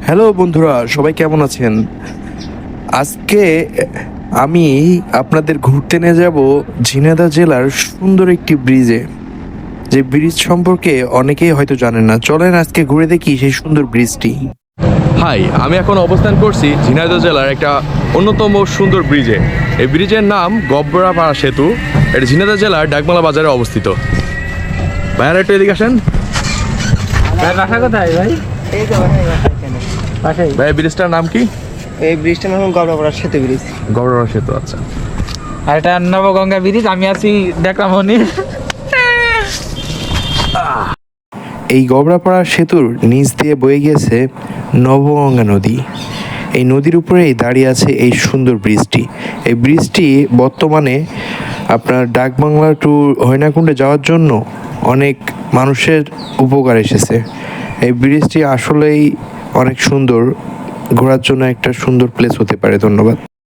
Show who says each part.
Speaker 1: Hello বন্ধুরা, সবাই কেমন আছেন? আজকে আমি আপনাদের ঘুরতে নিয়ে যাব ঝিনাইদহ জেলার সুন্দর একটি ব্রিজে। যে ব্রিজ সম্পর্কে অনেকেই হয়তো জানেন না। চলেন আজকে ঘুরে দেখি সেই সুন্দর ব্রিজটি।
Speaker 2: হাই, আমি এখন অবস্থান করছি ঝিনাইদহ জেলার একটা অন্যতম সুন্দর ব্রিজে। এই ব্রিজের নাম গব্বরাপাড়া সেতু। এটা ঝিনাইদহ জেলার ডাকবাংলা বাজারে অবস্থিত। ভাইয়ারা একটু এদিকে আসেন।
Speaker 3: ভাই বাসা কোথায় ভাই?
Speaker 4: এই তো পাশেই।
Speaker 2: ভাই, ব্রিজটার নাম কি?
Speaker 4: এই ব্রিজটার নাম গড়বড়া সেতু ব্রিজ।
Speaker 2: গব্বরাপাড়া সেতু, আচ্ছা।
Speaker 3: আর এটা নবগঙ্গা ব্রিজ। আমি আছি দেখলামনি।
Speaker 1: এই গবরাপাড়া সেতুর নিচ দিয়ে বয়ে গিয়েছে নবগঙ্গা নদী। এই নদীর উপরেই দাঁড়িয়ে আছে এই সুন্দর ব্রিজটি। এই ব্রিজটি বর্তমানে আপনার ডাকবাংলা টু হয়নাকুণ্ডে যাওয়ার জন্য অনেক মানুষের উপকার এসেছে। এই ব্রিজটি আসলেই অনেক সুন্দর, ঘোরার জন্য একটা সুন্দর প্লেস হতে পারে। ধন্যবাদ।